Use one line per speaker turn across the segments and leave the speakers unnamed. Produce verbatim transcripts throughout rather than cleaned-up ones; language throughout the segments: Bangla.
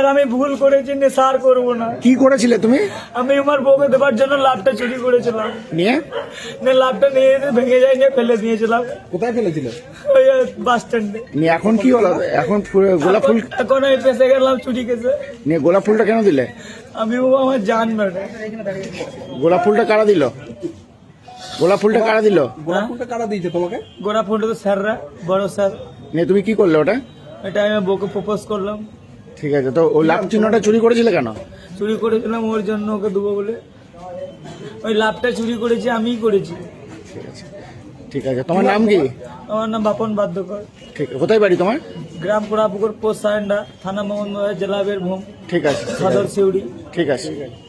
স্যার আমি ভুল করেছি, নেশার করবো না।
কি করেছিলে তুমি?
আমি আমার বউকে দেবার জন্য লাভটা চুরি করেছিলাম,
নিয়ে
নিয়ে লাভটা নিয়ে যেতে ভেঙে যায় নিয়ে ফেলে দিয়েছিলাম
কোথায় ফেলেছিলে?
ওই বাস স্ট্যান্ডে।
নিয়ে এখন কি হলো? এখন ফু- গোলাপ ফুল
এখন আমি পেশে গেলাম চুরি কেসে।
নিয়ে গোলাপ ফুলটা কেন দিলে?
আমি ও আমার জান মেরে।
গোলাপ ফুলটা কারা দিল? গোলাপ ফুলটা কারা দিল?
গোলাপ ফুলটা কারা দিয়েছে তোমাকে?
গোড়া ফুলটা তো স্যাররা, বড় স্যার।
নিয়ে তুমি কি করলে ওটা?
এটা আমি আমার বউকে প্রপোজ করলাম।
ঠিক আছে, তো ওই লাভ চিহ্নটা চুরি করেছিলে কেন?
চুরি করেছিলাম ওর জন্য, ওকে দেবো বলে। ওই লাভটা চুরি করেছি, আমিই করেছি।
ঠিক আছে, ঠিক আছে। তোমার নাম কি?
আমার নাম বাপন বাদ্যকর।
ঠিক আছে, কোথায় বাড়ি তোমার?
গ্রাম কোড়াপুকুর, পোস্ট সারেন্ডা, থানা মোহাম্মদবাজার, জেলা বীরভূম,
ঠিক আছে,
সদর সিউড়ি।
ঠিক আছে।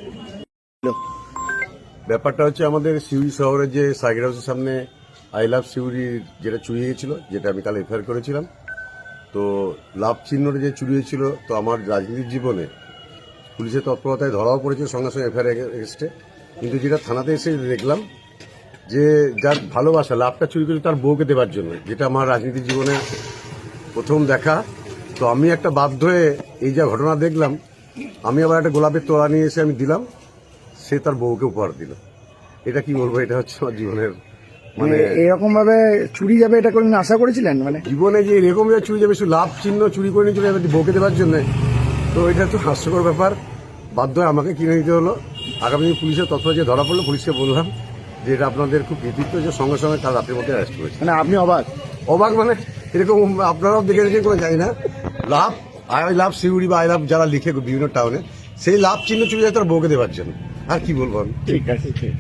ব্যাপারটা হচ্ছে আমাদের সিউড়ি শহরের যে সাইকেল হাউসের সামনে আই লাভ সিউড়ি যেটা চুরি হয়েছিল, যেটা আমি কাল এফআইআর করেছিলাম। তো লাভ চিহ্নটা যে চুরি হয়েছিল, তো আমার রাজনীতির জীবনে পুলিশের তৎপরতায় ধরাও পড়েছে সঙ্গে সঙ্গে এফআইআর এগেস্টে। কিন্তু যেটা থানাতে এসে দেখলাম যে যার ভালোবাসা লাভটা চুরি করেছে তার বউকে দেবার জন্য, যেটা আমার রাজনীতির জীবনে প্রথম দেখা। তো আমি একটা বাধ্য হয়ে এই যা ঘটনা দেখলাম, আমি আবার একটা গোলাপের তোড়া নিয়ে এসে আমি দিলাম, সে তার বউকে উপহার দিল। এটা কি বলবো, এটা হচ্ছে আমার জীবনের
মানে
মানে
এরকম ভাবে চুরি যাবে এটা কোনদিন আশা করেছিলেন? মানে
জীবনে যে এরকম যে চুরি যাবে, শুধু লাভ চিহ্ন চুরি করে নিয়ে চলে যাবে বউকে দেওয়ার জন্য, তো এটা তো হাস্যকর ব্যাপার। বাধ্য হয়ে আমাকে কিনে নিতে হলো। আগামী দিন পুলিশের তৎপর যে ধরা পড়লো, পুলিশকে বললাম যে এটা আপনাদের খুব কৃতিত্ব যে সঙ্গে সঙ্গে কাল রাতের মধ্যে অ্যারেস্ট করেছে।
মানে আপনি অবাক?
অবাক মানে এরকম আপনারাও দেখে দেখে কোনো যায় না। লাভ আই লাভ সিউড়ি বা আই লাভ যারা লিখে বিভিন্ন টাউনে, সেই লাভ চিহ্ন চুরি যায় তার বউকে দেওয়ার জন্য। আর কি বলবো আমি।
ঠিক আছে, ঠিক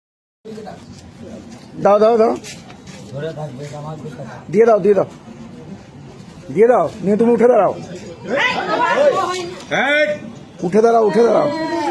দাও দাও দাও দিয়ে দাও দিয়ে দাও দিয়ে দাও নিয়ে তুমি উঠে দাঁড়াও, উঠে দাঁড়াও উঠে দাঁড়াও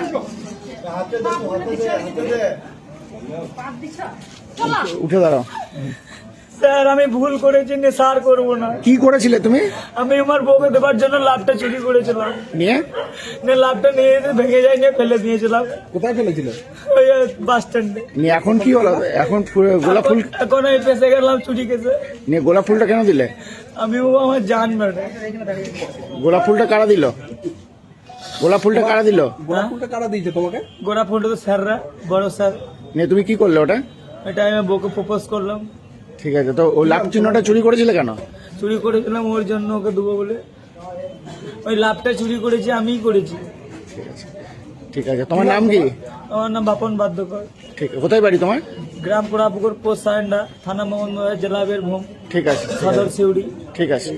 উঠে দাঁড়াও।
স্যার আমি ভুল করেছি, নেশার করবো না।
কি করেছিলে তুমি?
আমি আমার বউকে দেবার জন্য লাভটা চুরি করেছিলাম,
নিয়ে
নিয়ে লাভটা নিয়ে যেতে ভেঙে যায় নিয়ে ফেলে দিয়েছিলাম
কোথায় ফেলেছিলে?
ওই বাস স্ট্যান্ডে।
নিয়ে এখন কি হলো? এখন ফু- গোলাপ ফুল
এখন আমি পেশে গেলাম চুরি কেসে।
নিয়ে গোলাপ ফুলটা কেন দিলে?
আমি ও আমার জান মেরে।
গোলাপ ফুলটা কারা দিল? গোলাপ ফুলটা কারা দিল?
গোলাপ ফুলটা কারা দিয়েছে তোমাকে?
গোড়া ফুলটা তো স্যাররা, বড় স্যার।
নিয়ে তুমি কি করলে ওটা?
এটা আমি আমার বউকে প্রপোজ করলাম।
ঠিক আছে, তো ওই লাভ চিহ্নটা চুরি করেছিলে কেন?
চুরি করেছিলাম ওর জন্য, ওকে দেবো বলে। ওই লাভটা চুরি করেছি, আমিই করেছি।
ঠিক আছে, ঠিক আছে। তোমার নাম কি?
আমার নাম বাপন বাদ্যকর।
ঠিক আছে, কোথায় বাড়ি তোমার?
গ্রাম কোড়াপুকুর, পোস্ট সারেন্ডা, থানা মোহাম্মদবাজার, জেলা বীরভূম,
ঠিক আছে,
সদর সিউড়ি।
ঠিক আছে।